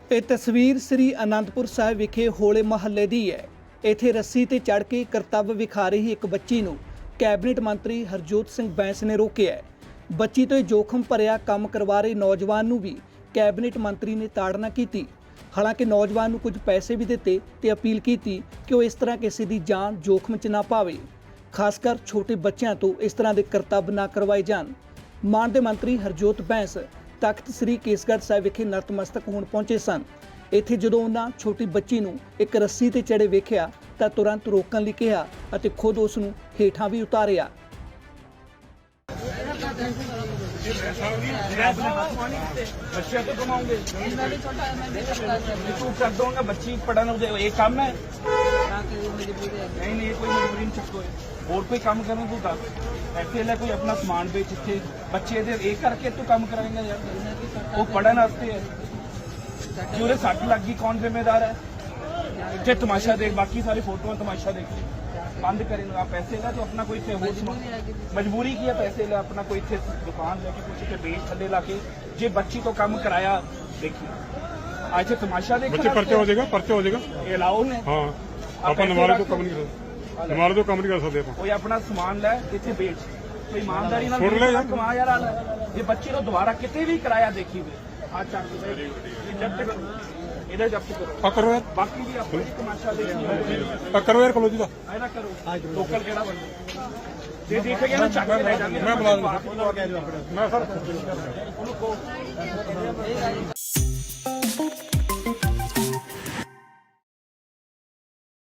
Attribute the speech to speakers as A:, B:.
A: ਇਹ ਤਸਵੀਰ ਸ੍ਰੀ ਅਨੰਦਪੁਰ ਸਾਹਿਬ ਵਿਖੇ ਹੋਲੇ ਮਹੱਲੇ ਦੀ ਹੈ। ਇੱਥੇ ਰੱਸੀ ਤੇ ਚੜ੍ਹ ਕੇ ਕਰਤੱਵ ਵਿਖਾ ਰਹੀ ਇੱਕ ਬੱਚੀ ਨੂੰ ਕੈਬਨਿਟ ਮੰਤਰੀ ਹਰਜੋਤ ਸਿੰਘ ਬੈਂਸ ਨੇ ਰੋਕਿਆ ਹੈ। ਬੱਚੀ ਤੋਂ ਜੋਖਮ ਭਰਿਆ ਕੰਮ ਕਰਵਾ ਰਹੇ ਨੌਜਵਾਨ ਨੂੰ ਵੀ ਕੈਬਨਿਟ ਮੰਤਰੀ ਨੇ ਤਾੜਨਾ ਕੀਤੀ। ਹਾਲਾਂਕਿ ਨੌਜਵਾਨ ਨੂੰ ਕੁਝ ਪੈਸੇ ਵੀ ਦਿੱਤੇ ਤੇ ਅਪੀਲ ਕੀਤੀ ਕਿ ਉਹ ਇਸ ਤਰ੍ਹਾਂ ਕਿਸੇ ਦੀ ਜਾਨ ਜੋਖਮ 'ਚ ਨਾ ਪਾਵੇ। ਖਾਸ ਕਰ ਛੋਟੇ ਬੱਚਿਆਂ ਤੋਂ ਇਸ ਤਰ੍ਹਾਂ ਦੇ ਕਰਤੱਵ ਨਾ ਕਰਵਾਏ ਜਾਣ। ਮਾਨਯੋਗ ਮੰਤਰੀ ਹਰਜੋਤ ਬੈਂਸ ਤਖਤ ਸ੍ਰੀ ਕੇਸਗੜ੍ਹ ਸਾਹਿਬ ਵਿਖੇ ਨਤਮਸਤਕ ਹੋਣ ਪਹੁੰਚੇ ਸਨ। ਇੱਥੇ ਜਦੋਂ ਉਹਨਾਂ ਛੋਟੀ ਬੱਚੀ ਨੂੰ ਇੱਕ ਰੱਸੀ ਤੇ ਚੜੇ ਵੇਖਿਆ ਤਾਂ ਤੁਰੰਤ ਰੋਕਣ ਲਈ ਕਿਹਾ ਅਤੇ ਖੁਦ ਉਸ ਨੂੰ ਹੇਠਾਂ ਵੀ ਉਤਾਰਿਆ।
B: बच्चे तो कमाओगे तू कर दूंगा बच्ची पढ़ाना एक काम है नहीं नहीं कोई मजबूरी नहीं चुको और कोई काम करना तू दस ऐसे ले कोई अपना समान बेच इतने बच्चे एक करके तू काम कराएंगे यार वो पढ़ने वास्ते है जो सट लग गई कौन जिम्मेदार है इतने तमाशा देख बाकी सारी फोटो तमाशा देख बंद करेंगे पैसे ला तो अपना कोई मजबूरी की है पैसे ला अपना कोई दुकान लेके कुछ बेच थले ला के जे बच्ची तो काम कराया देखिए आज तमाशा देख
C: बच्चे पर्चा हो जाएगा
B: ये लाओ ने
C: हाँ अपन हमारे तो कम नहीं कर सकते
B: कोई अपना सामान ले इतने बेच कोई ईमानदारी ना कमा यार ये बच्ची तो दोबारा कितने भी कराया देखी आज जब्त
C: करो यार
B: बाकी भी अपनी तमाशा देखिए
C: करो यार कलो जी का
B: करो लोकल केड़ा बंदा ये देखेगा ना चक के ले जाएंगे
C: मैं बुला दूंगा मैं सर